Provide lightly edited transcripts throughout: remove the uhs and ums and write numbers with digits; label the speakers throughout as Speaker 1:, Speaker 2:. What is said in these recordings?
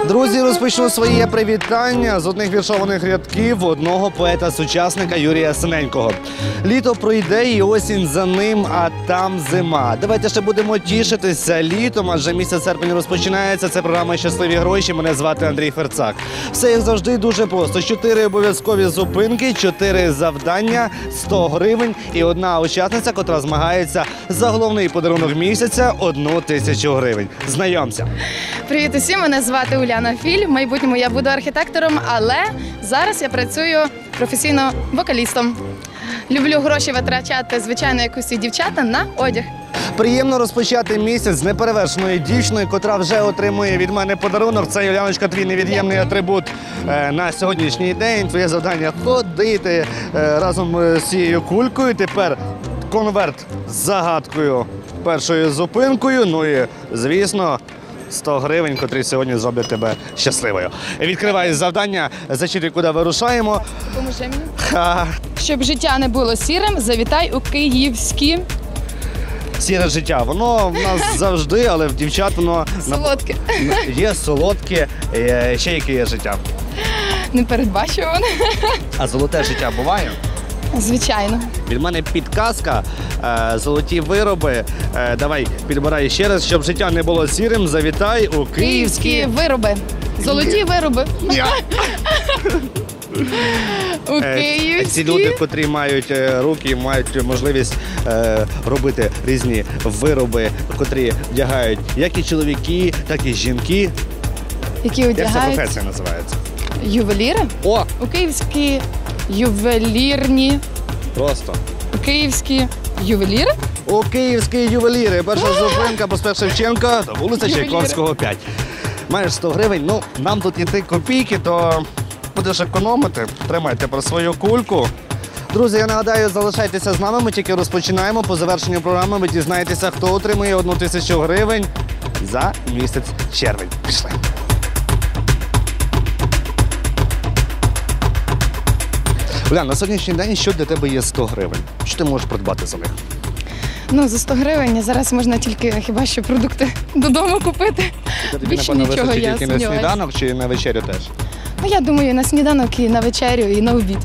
Speaker 1: Друзі, розпочну своє привітання з одних віршованих рядків одного поета-сучасника Юрія Синенького. Літо пройде і осінь за ним, а там зима. Давайте ще будемо тішитися літом, адже місяць серпень розпочинається. Це програма «Щасливі гроші». Мене звати Андрій Ферцак. Все, як завжди, дуже просто. 4 обов'язкові зупинки, 4 завдання, 100 гривень і одна учасниця, котра змагається за головний подарунок місяця – 1000 гривень. Знайомся.
Speaker 2: Привіт усім, мене звати Уляна Філь. В майбутньому я буду архітектором, але зараз я працюю професійно вокалістом. Люблю гроші витрачати, звичайно, як усі дівчата, на одяг.
Speaker 1: Приємно розпочати місяць з неперевершеною дівчиною, котра вже отримує від мене подарунок. Це, Юляночка, твій невід'ємний атрибут на сьогоднішній день. Твоє завдання – ходити разом з цією кулькою. Тепер конверт з загадкою, першою зупинкою. Ну і, звісно, 100 гривень, котрі сьогодні зроблять тебе щасливою. Відкривай завдання, зачитуй, куди вирушаємо.
Speaker 2: Допоможи мені. Щоб життя не було сірим, завітай у київські...
Speaker 1: Сіре життя. Воно в нас завжди, але в дівчат воно...
Speaker 2: Солодке.
Speaker 1: Є солодке, ще яке є життя.
Speaker 2: Непередбачуване.
Speaker 1: А золоте життя буває?
Speaker 2: Звичайно.
Speaker 1: Від мене підказка, золоті вироби. Давай, підбирай ще раз, щоб життя не було сірим, завітай у
Speaker 2: Київські вироби. Золоті вироби. У київські...
Speaker 1: Ці люди, котрі мають руки, мають можливість робити різні вироби, котрі вдягають як і чоловіки, так і жінки.
Speaker 2: Які
Speaker 1: Як ця
Speaker 2: одягають...
Speaker 1: професія називається?
Speaker 2: Ювеліри?
Speaker 1: О!
Speaker 2: У київські ювелірні...
Speaker 1: Просто.
Speaker 2: У київські ювеліри?
Speaker 1: У київські ювеліри. Перша зупинка, проспект Шевченка, вулиця Чайковського, 5. Маєш 100 гривень, ну, нам тут йти копійки, то будеш економити. Тримайте про свою кульку. Друзі, я нагадаю, залишайтеся з нами, ми тільки розпочинаємо. По завершенню програми ви дізнаєтеся, хто отримує 1000 гривень за місяць червень. Пішли. Улян, на сьогоднішній день що для тебе є 100 гривень? Що ти можеш придбати за них?
Speaker 2: Ну, за 100 гривень зараз можна тільки хіба що продукти додому купити.
Speaker 1: Тобі,
Speaker 2: Більше
Speaker 1: напевно,
Speaker 2: нічого
Speaker 1: вистачить
Speaker 2: я
Speaker 1: тільки на
Speaker 2: сумніваюсь.
Speaker 1: сніданок чи на вечерю теж?
Speaker 2: Ну, я думаю, на сніданок, і на вечерю, і на обід.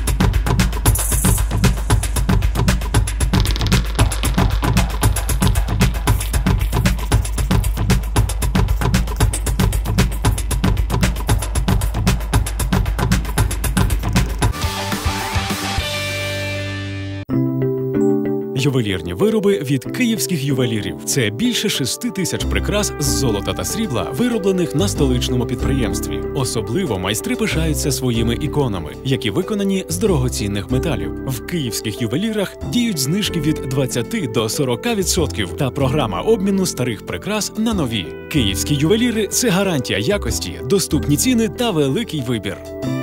Speaker 3: Ювелірні вироби від київських ювелірів. Це більше 6000 прикрас з золота та срібла, вироблених на столичному підприємстві. Особливо майстри пишаються своїми іконами, які виконані з дорогоцінних металів. В київських ювелірах діють знижки від 20 до 40% та програма обміну старих прикрас на нові. Київські ювеліри – це гарантія якості, доступні ціни та великий вибір.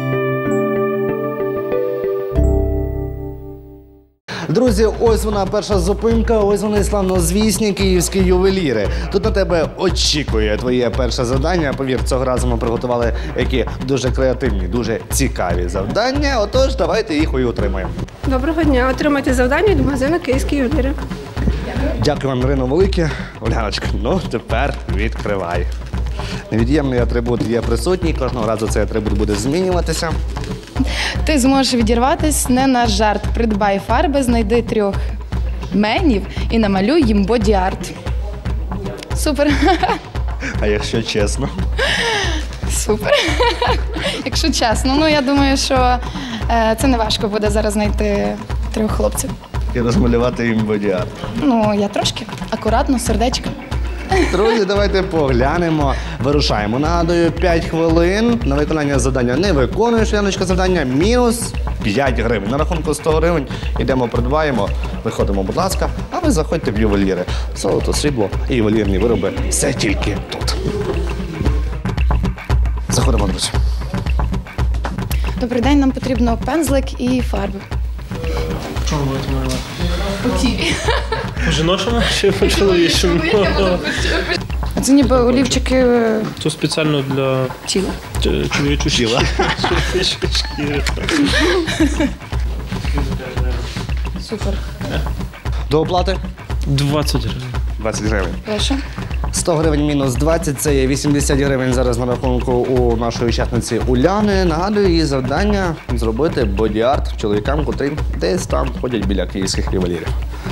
Speaker 1: Друзі, ось вона перша зупинка, ось вони славнозвісні київські ювеліри. Тут на тебе очікує твоє перше завдання. Повір, цього разу ми приготували які дуже креативні, дуже цікаві завдання. Отож, давайте їх і отримаємо.
Speaker 4: Доброго дня. Отримайте завдання від магазину «Київські ювеліри».
Speaker 1: Дякую вам, Ірино, велике. Оляночка, ну тепер відкривай. Невід'ємний атрибут є присутній, кожного разу цей атрибут буде змінюватися.
Speaker 2: Ти зможеш відірватись не на жарт. Придбай фарби, знайди 3 менів і намалюй їм боді-арт. Супер.
Speaker 1: А якщо чесно?
Speaker 2: Супер. Якщо чесно, ну я думаю, що це не важко буде зараз знайти 3 хлопців.
Speaker 1: І розмалювати їм боді-арт.
Speaker 2: Ну, я трошки. Акуратно, сердечко.
Speaker 1: Друзі, давайте поглянемо. Вирушаємо. Нагадую, 5 хвилин на виконання завдання не виконуєш, Яночка, завдання мінус 5 гривень. На рахунку 100 гривень йдемо, придбаємо, виходимо, будь ласка, а ви заходьте в ювеліри. Золото, срібло і ювелірні вироби – все тільки тут. Заходимо, друзі.
Speaker 2: Добрий день, нам потрібно пензлик і фарби.
Speaker 5: Чому будете малювати?
Speaker 2: У тілі.
Speaker 5: По жіночому чи по чоловічому?
Speaker 2: А це ніби олівчики
Speaker 5: Це спеціально для
Speaker 2: тіла.
Speaker 5: чоловічої
Speaker 1: Тіла.
Speaker 5: шкіри.
Speaker 2: Супер.
Speaker 1: До оплати?
Speaker 5: 20 гривень.
Speaker 1: 20 гривень.
Speaker 2: Прошу.
Speaker 1: 100 гривень мінус 20, це є 80 гривень зараз на рахунку у нашої учасниці Уляни. Нагадую, її завдання зробити боді-арт чоловікам, котрі десь там ходять біля київських ювелірів.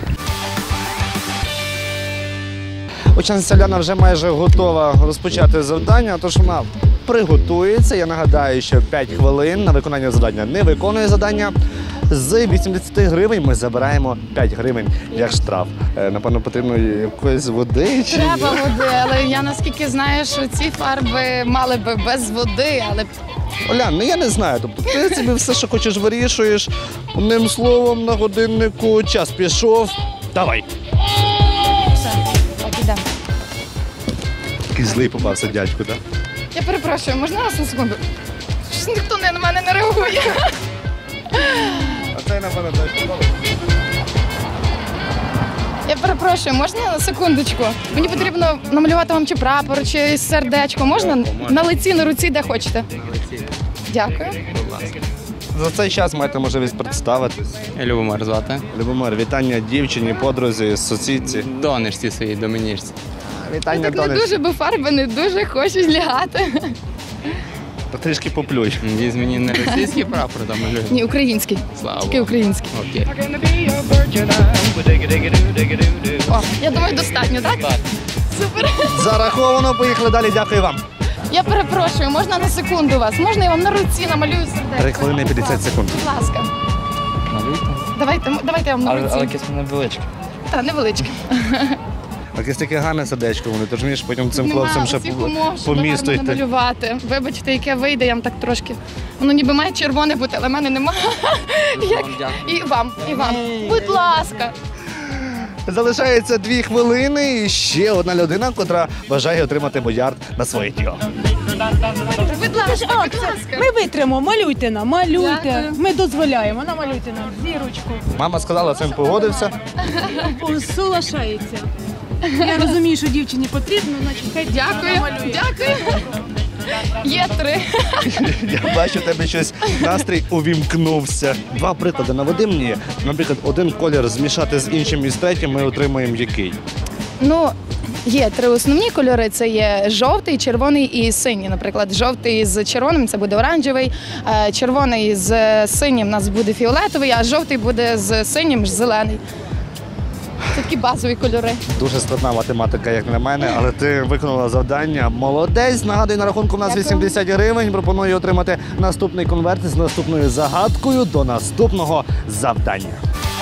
Speaker 1: Учасниця Уляна вже майже готова розпочати завдання, тож вона приготується. Я нагадаю, що 5 хвилин на виконання завдання не виконує завдання. З 80 гривень ми забираємо 5 гривень як штраф. Напевно, потрібно якоїсь води чи
Speaker 2: Треба води, але я наскільки знаю, що ці фарби мали би без води, але
Speaker 1: Олян, ну я не знаю. Тобто ти собі все, що хочеш, вирішуєш. Одним словом, на годиннику час пішов. Давай.
Speaker 2: все, так ідемо.
Speaker 1: Який злий попався дядьку, так?
Speaker 2: Я перепрошую, можна вас на секунду? Щось ніхто на мене не реагує.
Speaker 1: А це, напевно, теж подобається.
Speaker 2: Я перепрошую, можна на секундочку? Мені потрібно намалювати вам чи прапор, чи сердечко. Можна? На лиці, на руці, де хочете. Дякую.
Speaker 1: За цей час маєте можливість представитись.
Speaker 6: Любомир звати.
Speaker 1: Любомир, вітання дівчині, подрузі, сусідці.
Speaker 6: Донечці своїй, домінічці.
Speaker 1: Вітання,
Speaker 2: Так не
Speaker 1: Донечці.
Speaker 2: дуже, бо фарби не дуже хочуть лягати.
Speaker 1: Та трішки поплюй.
Speaker 6: Віз мені не російський прапор там малює.
Speaker 2: Ні, український.
Speaker 6: Слава
Speaker 2: Тільки
Speaker 6: Богу.
Speaker 2: український.
Speaker 6: Окей.
Speaker 2: О, я думаю, достатньо, так?
Speaker 6: Так.
Speaker 2: Супер.
Speaker 1: Зараховано, поїхали далі, дякую вам.
Speaker 2: Я перепрошую, можна на секунду вас? Можна я вам на руці намалюю сердечко?
Speaker 1: 3 хвилини 50 секунд.
Speaker 2: Будь ласка.
Speaker 6: Малюйте.
Speaker 2: Давайте я вам на руці.
Speaker 6: Але якесь невеличке.
Speaker 2: Та, невеличке.
Speaker 1: Якесь таке гарне сердечко вони, ти ж вмієш потім цим
Speaker 2: Нема
Speaker 1: хлопцям ще
Speaker 2: усіх умов,
Speaker 1: по
Speaker 2: щоб
Speaker 1: місту
Speaker 2: гарно
Speaker 1: йти.
Speaker 2: намалювати. Вибачте, яке вийде, я вам так трошки. Воно ніби має червоне бути, але в мене немає. І вам. Будь ласка.
Speaker 1: Залишається 2 хвилини і ще одна людина, котра бажає отримати боярд на своє тіло.
Speaker 2: Будь ласка, будь ласка.
Speaker 7: Ми витримо, малюйте нам, малюйте.
Speaker 2: Дякую.
Speaker 7: Ми дозволяємо, намалюйте нам зірочку.
Speaker 1: Мама сказала, цим погодився.
Speaker 7: Соглашається. Я розумію, що дівчині потрібно, значить хай
Speaker 2: Дякую.
Speaker 7: намалює.
Speaker 2: Дякую. Є 3.
Speaker 1: Я бачу, у тебе щось настрій увімкнувся. 2 приклади наведи мені. Наприклад, один колір змішати з іншим і з третім, ми отримаємо який?
Speaker 2: Ну, є 3 основні кольори: це є жовтий, червоний і синій. Наприклад, жовтий з червоним це буде оранжевий, червоний з синім у нас буде фіолетовий, а жовтий буде з синім зелений. Це такі базові кольори.
Speaker 1: Дуже складна математика, як на мене, але ти виконала завдання. Молодець. Нагадую, на рахунку в нас
Speaker 2: Дякую.
Speaker 1: 80 гривень. Пропоную отримати наступний конверт з наступною загадкою до наступного завдання.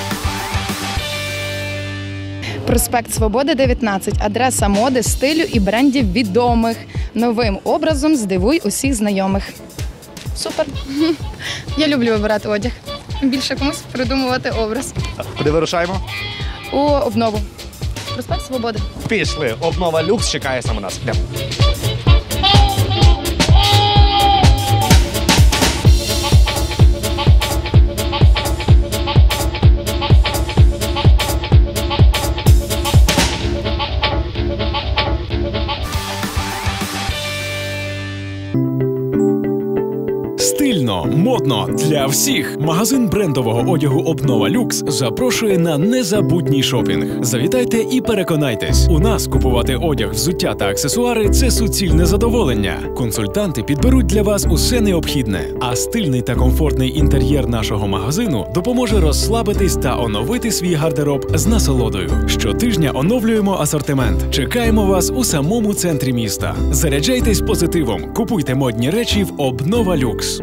Speaker 2: Проспект Свободи, 19. Адреса моди, стилю і брендів відомих. Новим образом здивуй усіх знайомих. Супер. Я люблю вибирати одяг. Більше комусь придумувати образ.
Speaker 1: Куди вирушаємо?
Speaker 2: У обнову. Проспект Свободи.
Speaker 1: Пішли. Обнова люкс чекає саме нас. Йдемо.
Speaker 3: Стильно, модно для всіх. Магазин брендового одягу Обнова Люкс запрошує на незабутній шопінг. Завітайте і переконайтесь. У нас купувати одяг, взуття та аксесуари – це суцільне задоволення. Консультанти підберуть для вас усе необхідне. А стильний та комфортний інтер'єр нашого магазину допоможе розслабитись та оновити свій гардероб з насолодою. Щотижня оновлюємо асортимент. Чекаємо вас у самому центрі міста. Заряджайтесь позитивом. Купуйте модні речі в Обнова Люкс.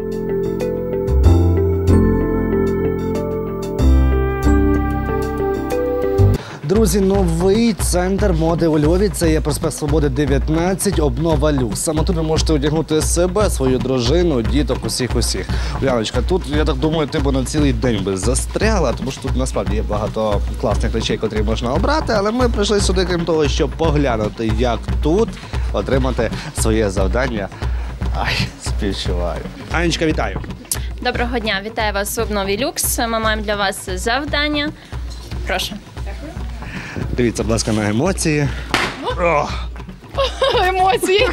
Speaker 1: Друзі, новий центр моди у Львові. Це є проспект Свободи, 19, Обнова Люкс. Саме тут ви можете одягнути себе, свою дружину, діток, усіх. Уляночка, тут, я так думаю, ти б на цілий день би застряла, тому що тут насправді є багато класних речей, котрі можна обрати, але ми прийшли сюди, крім того, щоб поглянути, як тут отримати своє завдання. Ай, співчуваю. Анечка, вітаю.
Speaker 8: Доброго дня, вітаю вас у Обнові Люкс. Ми маємо для вас завдання. Прошу.
Speaker 1: Дивіться, будь ласка, на емоції.
Speaker 2: Емоції.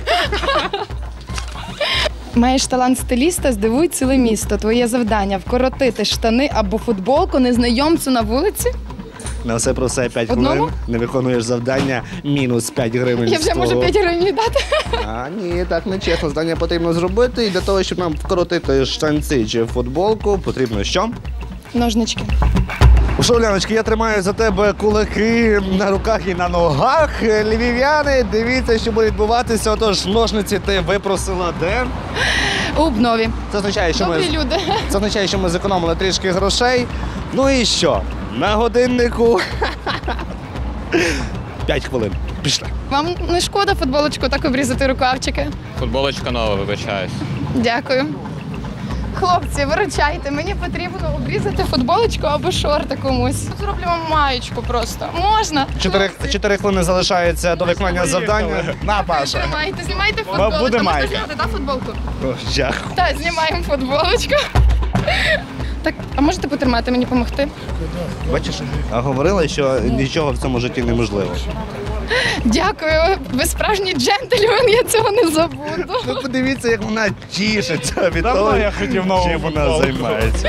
Speaker 2: Маєш талант стиліста, здивуй ціле місто. Твоє завдання – вкоротити штани або футболку незнайомцю на вулиці?
Speaker 1: На все про все 5
Speaker 2: Одному?
Speaker 1: хвилин. Не виконуєш завдання, мінус 5 гривень.
Speaker 2: Я
Speaker 1: з
Speaker 2: вже можу
Speaker 1: твого.
Speaker 2: 5 гривень дати.
Speaker 1: А, ні, так не чесно. Завдання потрібно зробити. І для того, щоб нам вкоротити штанці чи футболку, потрібно що?
Speaker 2: Ножнички.
Speaker 1: Що, Уляночки, я тримаю за тебе кулаки на руках і на ногах. Львів'яни, дивіться, що буде відбуватися. Отож, ножниці ти випросила де?
Speaker 2: У Бнові.
Speaker 1: Це означає, що ми...
Speaker 2: Добрі люди.
Speaker 1: Це означає, що ми зекономили трішки грошей. Ну і що? На годиннику 5 хвилин. Пішли.
Speaker 2: Вам не шкода футболочку так обрізати рукавчики?
Speaker 6: Футболочка нова, вибачаюсь.
Speaker 2: Дякую. Хлопці, виручайте, мені потрібно обрізати футболочку або шорти комусь. Зроблю вам маєчку просто. Можна?
Speaker 1: 4 хвилини залишається до виконання завдання. На, Паша.
Speaker 2: Знімайте футболку.
Speaker 1: буде майка.
Speaker 2: Можна зняти, да, футболку?
Speaker 1: О, дякую.
Speaker 2: Так, знімаємо футболочку. Так, а можете потримати, мені допомогти?
Speaker 1: Бачиш, а говорила, що нічого в цьому житті неможливо.
Speaker 2: Дякую. Ви справжній джентльмен, я цього не забуду.
Speaker 1: Ну подивіться, як вона тішиться від того, чим вона займається.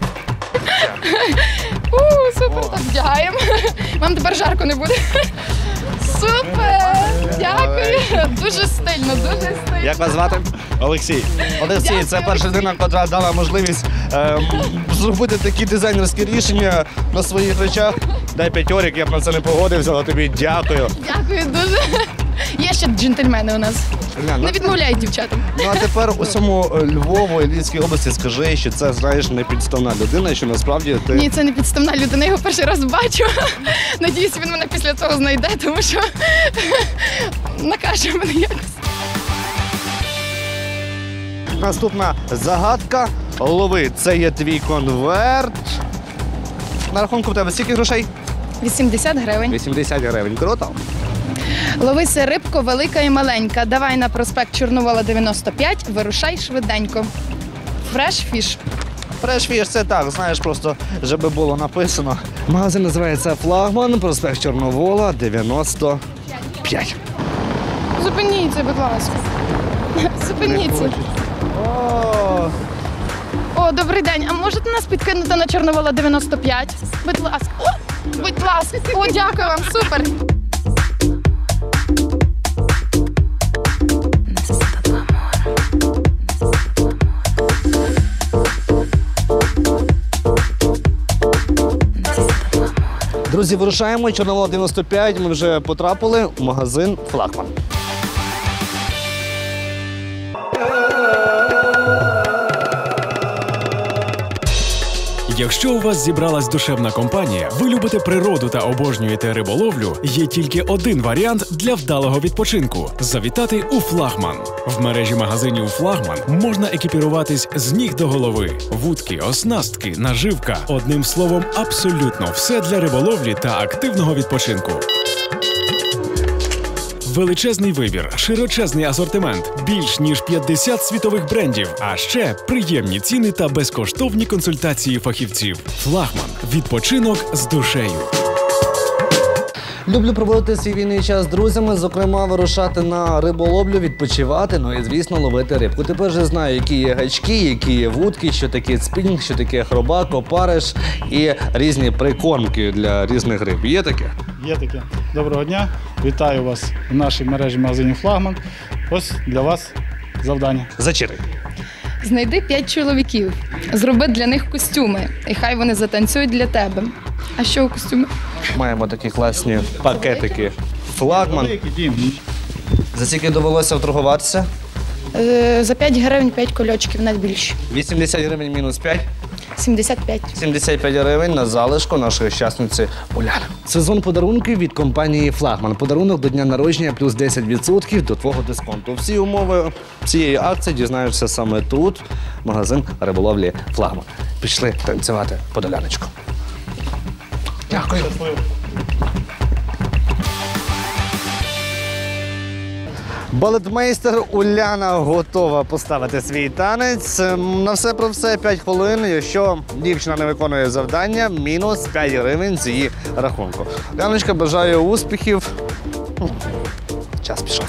Speaker 2: Супер, так вдягаємо. Вам тепер жарко не буде. Супер! Дякую. Дуже стильно, дуже стильно.
Speaker 1: Як вас звати? Олексій. Олексій, це перша людина, яка дала можливість зробити такі дизайнерські рішення на своїх речах. Дай 5 орік, я б на це не погодився, але тобі дякую.
Speaker 2: Дякую дуже. Є ще джентльмени у нас.
Speaker 1: Глянь,
Speaker 2: Не відмовляють дівчатам.
Speaker 1: Ну а тепер усьому Львову і Львівській області скажи, що це, знаєш, не підставна людина, що насправді ти...
Speaker 2: Ні, це не підставна людина, я його перший раз бачу. Надіюсь, він мене після цього знайде, тому що накаже мене якось.
Speaker 1: Наступна загадка. Лови, це є твій конверт. На рахунку в тебе скільки грошей?
Speaker 2: 80 гривень.
Speaker 1: 80 гривень. Круто.
Speaker 2: Ловися рибко, велика і маленька. Давай на проспект Чорновола 95, вирушай швиденько. Фреш фіш.
Speaker 1: Фреш-фіш, це так, знаєш, просто, щоб було написано. Магазин називається «Флагман», проспект Чорновола, 95.
Speaker 2: Зупиніться, будь ласка. Зупиніться. О, добрий день. А можете нас підкинути на Чорновола 95? Будь ласка. О, будь ласка. О, дякую вам, супер.
Speaker 1: Друзі, вирушаємо. Чорновола 95. Ми вже потрапили в магазин «Флагман».
Speaker 3: Якщо у вас зібралась душевна компанія, ви любите природу та обожнюєте риболовлю, є тільки один варіант для вдалого відпочинку – завітати у «Флагман». В мережі магазинів «Флагман» можна екіпіруватись з ніг до голови. Вудки, оснастки, наживка – одним словом, абсолютно все для риболовлі та активного відпочинку. Величезний вибір, широчезний асортимент, більш ніж 50 світових брендів, а ще приємні ціни та безкоштовні консультації фахівців. «Флагман» – відпочинок з душею.
Speaker 1: Люблю проводити свій вільний час з друзями, зокрема вирушати на риболовлю, відпочивати, ну і, звісно, ловити рибку. Тепер вже знаю, які є гачки, які є вудки, що таке спінінг, що таке хробак, опариш і різні прикормки для різних риб. Є таке?
Speaker 9: Є таке. Доброго дня. Вітаю вас в нашій мережі магазинів «Флагман». Ось для вас завдання.
Speaker 1: Зачитай.
Speaker 2: Знайди 5 чоловіків, зроби для них костюми, і хай вони затанцюють для тебе. А що у костюмі?
Speaker 1: Маємо такі класні пакетики. «Флагман».
Speaker 9: Великий дім.
Speaker 1: За скільки довелося вторгуватися?
Speaker 2: За 5 гривень 5 кольочків, навіть більше.
Speaker 1: 80 гривень мінус 5.
Speaker 2: 75.
Speaker 1: 75 гривень на залишку нашої щасниці Уляни. Сезон подарунків від компанії «Флагман». Подарунок до дня народження плюс 10% до твого дисконту. Всі умови цієї акції дізнаєшся саме тут, магазин риболовлі «Флагман». Пішли танцювати подоляночку. Дякую. Балетмейстер Уляна готова поставити свій танець. На все про все 5 хвилин. Якщо дівчина не виконує завдання, мінус 5 гривень з її рахунку. Уляночка, бажаю успіхів. Час пішов.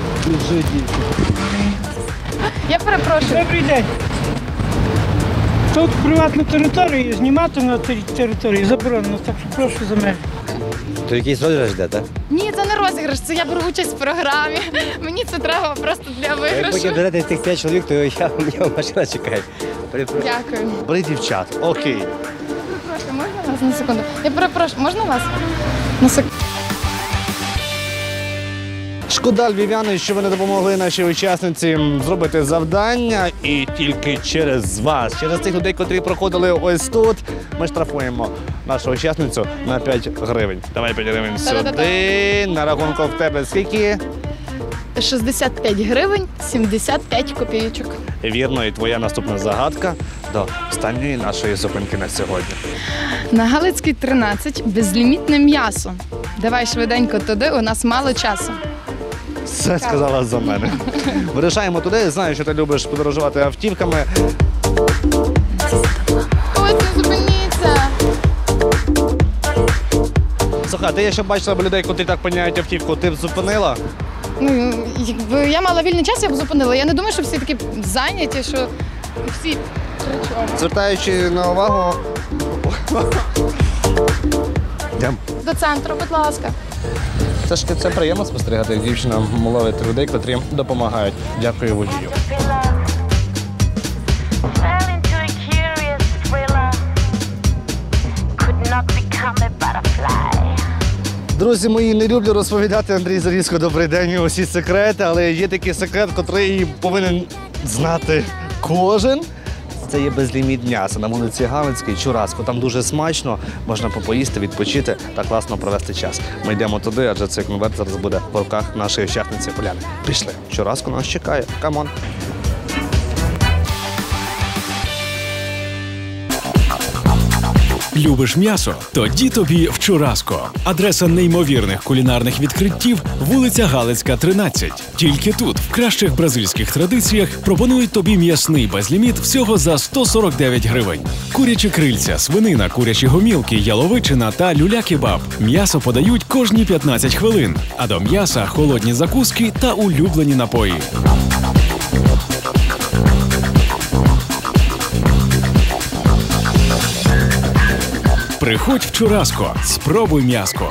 Speaker 2: Я перепрошую.
Speaker 7: Добрий день.
Speaker 10: Тут приватну територію, знімати на території заборонено, так що прошу за мене.
Speaker 1: То якийсь розіграш йде, так?
Speaker 2: Ні, це не розіграш, це я беру участь в програмі. Мені це треба просто для
Speaker 1: Як
Speaker 2: виграшу.
Speaker 1: потім берете тих 5 чоловік, то я машина чекає.
Speaker 2: Дякую.
Speaker 1: Бери дівчат, окей.
Speaker 2: Прошу, можна вас на секунду? Я перепрошую, можна вас? На секунду.
Speaker 1: Шкода, львів'яни, що ви не допомогли нашій учасниці зробити завдання, і тільки через вас, через тих людей, котрі проходили ось тут, ми штрафуємо нашу учасницю на 5 гривень. Давай 5 гривень сюди. На рахунку в тебе скільки?
Speaker 2: 65 гривень, 75 копійочок.
Speaker 1: Вірно, і твоя наступна загадка до останньої нашої зупинки на сьогодні.
Speaker 2: На Галицькій 13 безлімітне м'ясо. Давай швиденько туди, у нас мало часу.
Speaker 1: Все сказала за мене. Вирішаємо туди. Знаю, що ти любиш подорожувати автівками.
Speaker 2: Ось, не зупиніться!
Speaker 1: Слухай, ти ще бачила б людей, котрі так поміняють автівку, ти б зупинила?
Speaker 2: Ну, якби я мала вільний час, я б зупинила. Я не думаю, що всі такі зайняті, що всі причому.
Speaker 1: Звертаючи на увагу. Йдем.
Speaker 2: До центру, будь ласка.
Speaker 1: Це приємно спостерігати, як дівчина ловить людей, котрі допомагають. Дякую водію. Друзі мої, не люблю розповідати, Андрій Зарізко, добрий день, усі секрети, але є такий секрет, котрий повинен знати кожен. Це є безліміт м'яса на вулиці Галицькій, Чураско. Там дуже смачно, можна попоїсти, відпочити та класно провести час. Ми йдемо туди, адже цей конверт зараз буде в руках нашої учасниці Поляни. Пішли, Чураско нас чекає. Камон.
Speaker 3: Любиш м'ясо? Тоді тобі в Чураско. Адреса неймовірних кулінарних відкриттів – вулиця Галицька, 13. Тільки тут, в кращих бразильських традиціях, пропонують тобі м'ясний безліміт всього за 149 гривень. Курячі крильця, свинина, курячі гомілки, яловичина та люля-кебаб. М'ясо подають кожні 15 хвилин, а до м'яса – холодні закуски та улюблені напої. Приходь в Чураско, спробуй м'яско.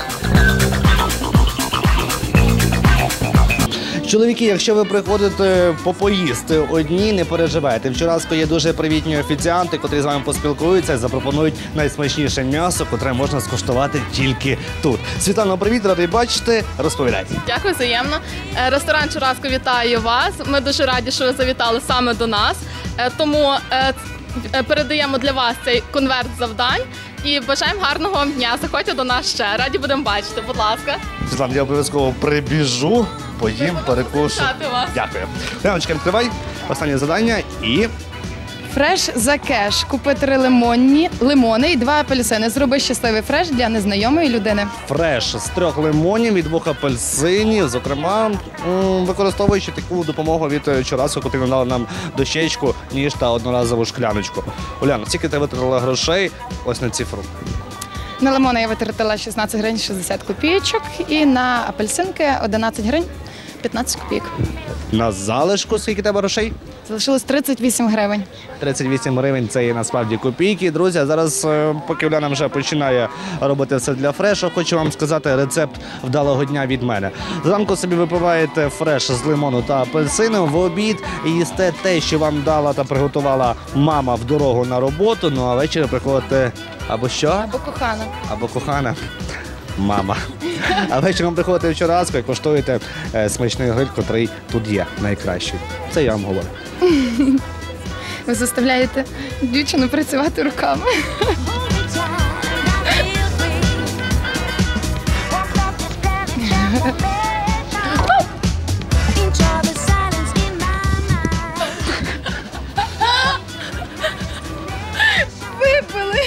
Speaker 1: Чоловіки, якщо ви приходите попоїсти одні, не переживайте. В Чураско є дуже привітні офіціанти, котрі з вами поспілкуються і запропонують найсмачніше м'ясо, котре можна скуштувати тільки тут. Світлано, привіт, радий бачити. Розповідайте.
Speaker 2: Дякую, взаємно. Ресторан Чураско вітає вас. Ми дуже раді, що ви завітали саме до нас. Тому передаємо для вас цей конверт завдань і бажаємо гарного вам дня. Заходьте до нас ще. Раді будемо бачити, будь ласка.
Speaker 1: Світлана, я обов'язково прибіжу, поїм, перекушу. Дякую. Леночка, відкривай. Останнє завдання і...
Speaker 2: Фреш за кеш. Купи 3 лимони і 2 апельсини. Зроби щасливий фреш для незнайомої людини.
Speaker 1: Фреш з 3 лимонів і 2 апельсинів, зокрема, використовуючи таку допомогу від Чураско, котрі надали нам дощечку, ніж та одноразову шкляночку. Уляна, скільки ти витратила грошей ось на цифру?
Speaker 2: На лимони я витратила 16 гривень 60 копійочок і на апельсинки 11 гривень 15 копійок.
Speaker 1: На залишку скільки тебе грошей?
Speaker 2: Залишилось 38 гривень.
Speaker 1: 38 гривень – це є насправді копійки. Друзі, а зараз, поки Уляна вже починає робити все для фрешу, хочу вам сказати рецепт вдалого дня від мене. Зранку собі випиваєте фреш з лимону та апельсину, в обід їсте те, що вам дала та приготувала мама в дорогу на роботу, ну а ввечері приходите або що?
Speaker 2: Або кохана.
Speaker 1: Або кохана. Мама. А вечором приходите в Чураско і коштуєте смачний гриль, котрий тут є найкращий. Це я вам говорю.
Speaker 2: Ви заставляєте дівчину працювати руками. Випили.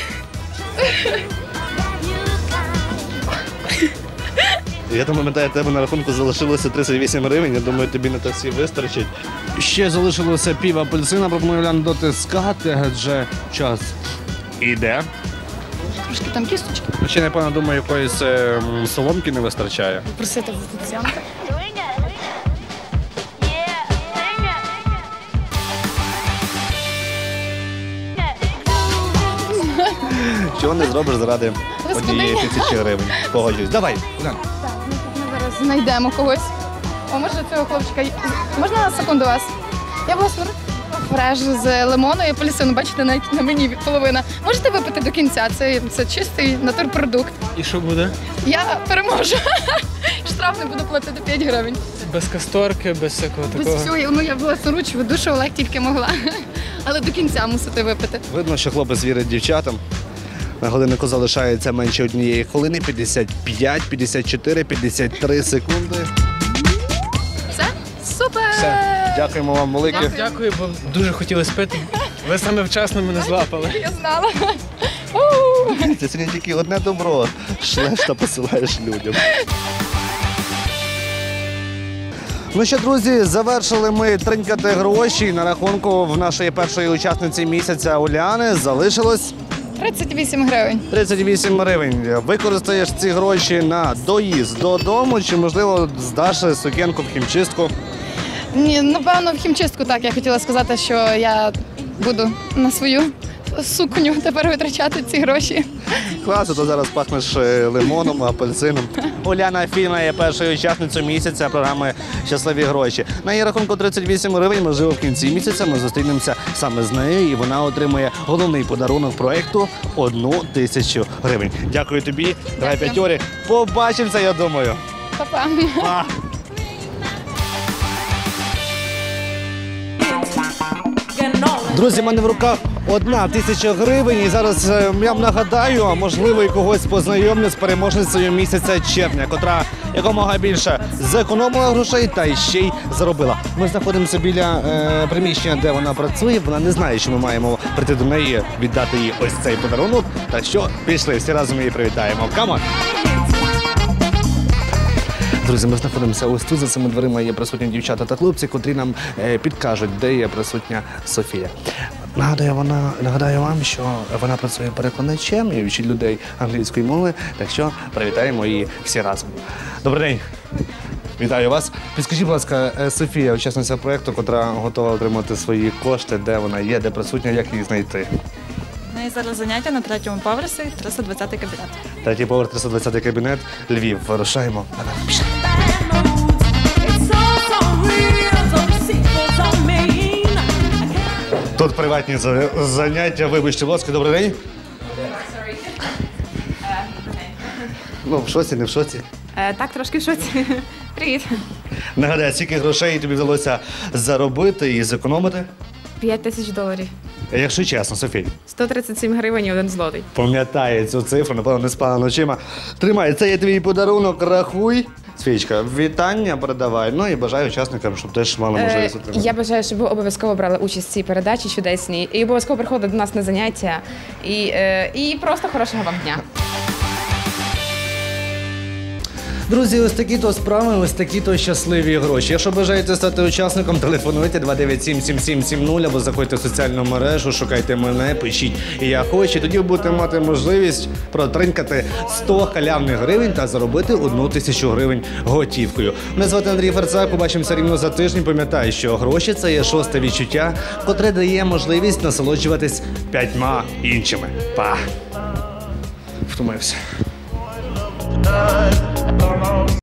Speaker 1: Я там пам'ятаю, тебе на рахунку залишилося 38 гривень. Я думаю, тобі на таксі вистачить. Ще залишилося пів апельсина, пропоную Уляну дотискати, адже час іде.
Speaker 2: Трошки там кісточки.
Speaker 1: Ще, напевно, думаю, якоїсь соломки не вистачає.
Speaker 2: Просити в офіціанта.
Speaker 1: чого не зробиш заради
Speaker 2: Господи.
Speaker 1: 1000 гривень. Погоджуюсь. Давай, Уляна.
Speaker 2: Так, ми зараз знайдемо когось. О, може цього хлопчика. Можна на секунду вас? Я була фреш з лимону і апельсину. Бачите, навіть на мені половина. Можете випити до кінця? Це чистий натурпродукт.
Speaker 5: І що буде?
Speaker 2: Я переможу. Штраф не буду платити 5 гривень.
Speaker 5: Без касторки, без всякого
Speaker 2: Без
Speaker 5: такого.
Speaker 2: всього, ну я власноруч видушувала, як тільки могла. Але до кінця мусите випити.
Speaker 1: Видно, що хлопець вірить дівчатам. На годиннику залишається менше 1 хвилини, 55, 54, 53 секунди.
Speaker 2: Все? Супер!
Speaker 1: Дякуємо вам велике.
Speaker 5: Дякую, бо дуже хотіли спити. Ви саме вчасно мене злапали.
Speaker 2: Я знала.
Speaker 1: Це сьогодні тільки одне добро. Шлеш та посилаєш людям. Ну що, друзі, завершили ми тринькати гроші. На рахунку в нашої першої учасниці місяця Уляни залишилось
Speaker 2: 38 гривень.
Speaker 1: 38 гривень. Використаєш ці гроші на доїзд додому чи, можливо, здаш сукенку в хімчистку?
Speaker 2: Ні, напевно, в хімчистку так. Я хотіла сказати, що я буду на свою сукню тепер витрачати ці гроші.
Speaker 1: Класно, то зараз пахнеш лимоном, апельсином. Уляна Фільна є першою учасницею місяця програми «Щасливі гроші». На її рахунку 38 гривень, можливо, в кінці місяця ми зустрінемося саме з нею, і вона отримує головний подарунок проєкту – 1000 гривень. Дякую тобі, давай п'ятьорі. Побачимося, я думаю.
Speaker 2: Па-па.
Speaker 1: Па! Друзі, в мене в руках 1000 гривень. І зараз я вам нагадаю, а можливо, і когось познайомлю з переможницею місяця червня, котра якомога більше зекономила грошей та ще й заробила. Ми знаходимося біля приміщення, де вона працює. Вона не знає, що ми маємо прийти до неї, віддати їй ось цей подарунок. Так що пішли, всі разом її привітаємо. Камон! Друзі, ми знаходимося ось тут, за цими дверима є присутні дівчата та хлопці, котрі нам підкажуть, де є присутня Софія. Нагадаю вам, що вона працює перекладачем і вчить людей англійської мови, так що привітаємо її всі разом. Добрий день! Вітаю вас. Підскажіть, будь ласка, Софія, учасниця проєкту, котра готова отримати свої кошти, де вона є, де присутня, як її знайти?
Speaker 11: У неї зараз заняття на 3-му поверсі, 320-й кабінет.
Speaker 1: 3-й поверх, 320-й кабінет, Львів. Вирушаємо. Пішли. Тут приватні заняття. Вибачте, будь ласка, добрий день. Ну, в шоці, не в шоці.
Speaker 4: Так, трошки в шоці. Привіт.
Speaker 1: Нагадай, скільки грошей тобі вдалося заробити і зекономити?
Speaker 4: $5000.
Speaker 1: Якщо чесно, Софій.
Speaker 4: 137 гривень і 1 злотий.
Speaker 1: Пам'ятає цю цифру, напевно, не спала ночима. Тримай, це є твій подарунок, рахуй. Свічка, вітання передавай. Ну і бажаю учасникам, щоб теж мали можливість отримати.
Speaker 4: Я бажаю, щоб ви обов'язково брали участь в цій передачі чудесній і обов'язково приходили до нас на заняття. І просто хорошого вам дня.
Speaker 1: Друзі, ось такі-то справи, ось такі-то щасливі гроші. Якщо бажаєте стати учасником, телефонуйте 297-7770 або заходьте в соціальну мережу, шукайте мене, пишіть «Я хочу». Тоді ви будете мати можливість протринкати 100 халявних гривень та заробити 1000 гривень готівкою. Мене звати Андрій Ферцак, побачимося рівно за тиждень. Пам'ятай, що гроші – це є 6-те відчуття, котре дає можливість насолоджуватись 5 іншими. Па! Втомився.